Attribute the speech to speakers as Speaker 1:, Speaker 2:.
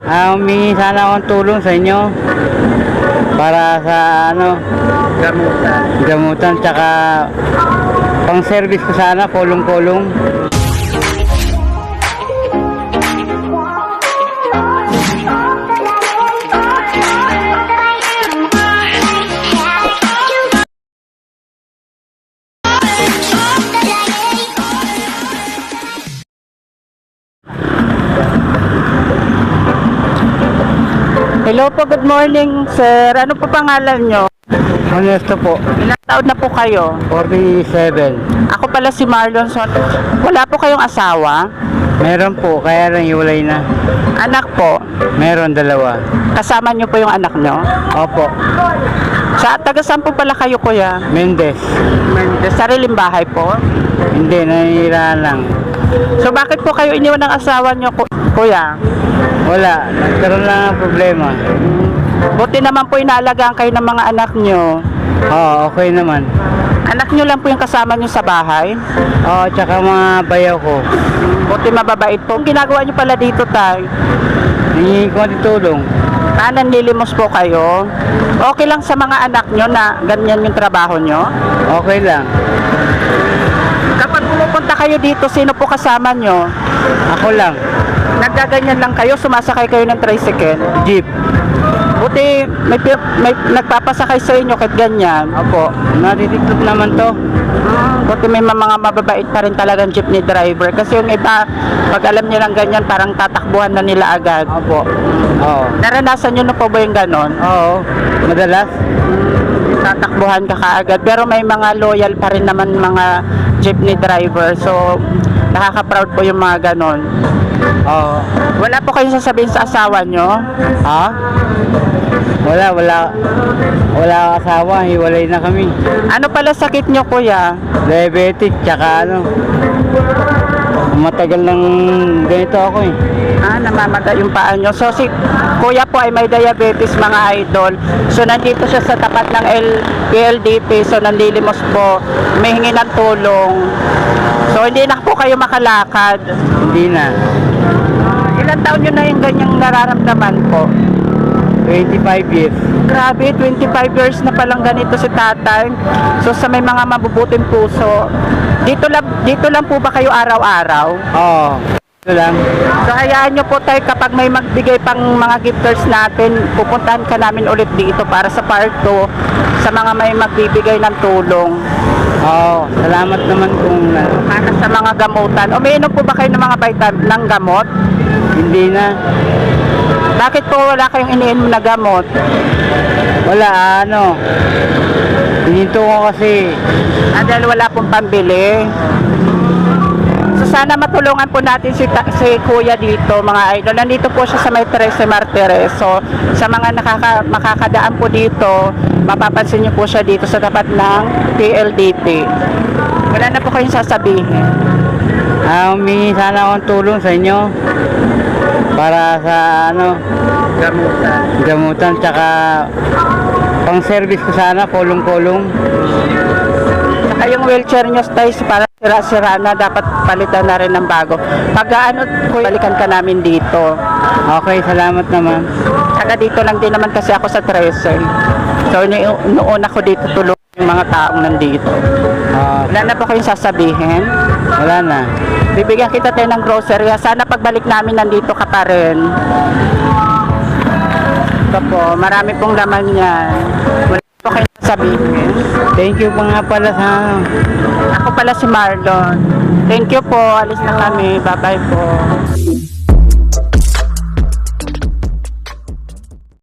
Speaker 1: Humingi sana akong tulong sa inyo para sa gamutan tsaka pang service ko sana, kulong-kulong.
Speaker 2: Hello po, good morning sir. Ano po pangalan nyo?
Speaker 1: Honesto po,
Speaker 2: Ilang taon na po kayo?
Speaker 1: 47.
Speaker 2: Ako pala si Marlon. Wala po kayong asawa?
Speaker 1: Meron po, kaya lang hiwalay na.
Speaker 2: Anak po?
Speaker 1: Meron, 2.
Speaker 2: Kasama nyo po yung anak nyo?
Speaker 1: Opo,
Speaker 2: Taga saan po pala kayo kuya?
Speaker 1: Mendez.
Speaker 2: Sariling bahay po?
Speaker 1: Hindi, nanira lang.
Speaker 2: So bakit po kayo iniwan ng asawa nyo kuya?
Speaker 1: Wala, nagkaroon lang ng problema.
Speaker 2: Buti naman po inaalagaan kayo ng mga anak nyo.
Speaker 1: Oo, okay naman.
Speaker 2: Anak nyo lang po yung kasama nyo sa bahay?
Speaker 1: Oo, tsaka mga bayaw ko.
Speaker 2: Buti mababait po. Ang ginagawa nyo pala dito tay?
Speaker 1: Hingi ko ng tulong.
Speaker 2: Nanlilimos po kayo? Okay lang sa mga anak nyo na ganyan yung trabaho nyo?
Speaker 1: Okay lang.
Speaker 2: Kapag pumupunta kayo dito, sino po kasama nyo?
Speaker 1: Ako lang.
Speaker 2: Naggaganyan lang kayo, sumasakay kayo ng tricycle?
Speaker 1: Jeep.
Speaker 2: Buti may nagpapasakay sa inyo kahit ganyan.
Speaker 1: Opo, natitiklop naman to.
Speaker 2: Buti may mga mababait pa rin talagang jeepney driver. Kasi yung iba, pag alam nilang ganyan, parang tatakbuhan na nila agad.
Speaker 1: Opo. Oo.
Speaker 2: Naranasan nyo na po ba yung ganon?
Speaker 1: Oo, madalas.
Speaker 2: Tatakbuhan ka kaagad. Pero may mga loyal pa rin naman mga jeepney driver. So, nakaka-proud po yung mga ganon.
Speaker 1: Oo.
Speaker 2: Wala po kayong sasabihin sa asawa nyo?
Speaker 1: Ha? Wala asawa, hiwalay na kami.
Speaker 2: Ano pala sakit nyo kuya?
Speaker 1: Diabetic, tsaka matagal nang ganito ako eh.
Speaker 2: Namamaga yung paa nyo. So si kuya po ay may diabetes mga idol. So nandito siya sa tapat ng PLDT. So nanlilimos po. May hingi ng tulong. So hindi na po kayo makalakad.
Speaker 1: Hindi na.
Speaker 2: Ilang taon nyo na yung ganyang nararamdaman po?
Speaker 1: 25 years.
Speaker 2: Grabe, 25 years na palang ganito si tatay. So sa may mga mabubuting puso, dito lang po ba kayo araw-araw?
Speaker 1: Oo. Ito lang.
Speaker 2: So hayaan nyo po tayo kapag may magbigay pang mga gifters natin, pupuntahan ka namin ulit dito para sa part 2 sa mga may magbibigay ng tulong.
Speaker 1: Oo. Salamat naman kung
Speaker 2: Para sa mga gamutan. Umiinom po ba kayo ng mga vitamin ng gamot?
Speaker 1: hindi na.
Speaker 2: Bakit po wala kayong iniinom na gamot?
Speaker 1: Wala, hininto ko kasi.
Speaker 2: Dahil wala pong pambili. So sana matulungan po natin si kuya dito mga idol. Nandito po siya sa may 13 Martires. So sa mga makakadaan po dito, mapapansin niyo po siya dito sa tapat ng PLDT. Wala na po kayong sasabihin.
Speaker 1: Humingi sana akong tulong sa inyo para sa gamutan tsaka pang service ko sana, kulong-kulong.
Speaker 2: Saka yung wheelchair nyo tayo para sira-sira na, dapat palitan na rin ng bago. Pag balikan ka namin dito.
Speaker 1: Okay, salamat naman.
Speaker 2: Saka dito lang din naman kasi ako sa 13. So noon ako dito tulong yung mga taong nandito. Wala na po kayong sasabihin?
Speaker 1: Wala na.
Speaker 2: Bibigyan kita tayo ng grocery. Sana pagbalik namin nandito ka pa rin. Ito po, marami pong laman yan. Wala po kayong sasabihin.
Speaker 1: Thank you pa nga pala sa
Speaker 2: Ako pala si Marlon. Thank you po. Alis na kami. Bye-bye po.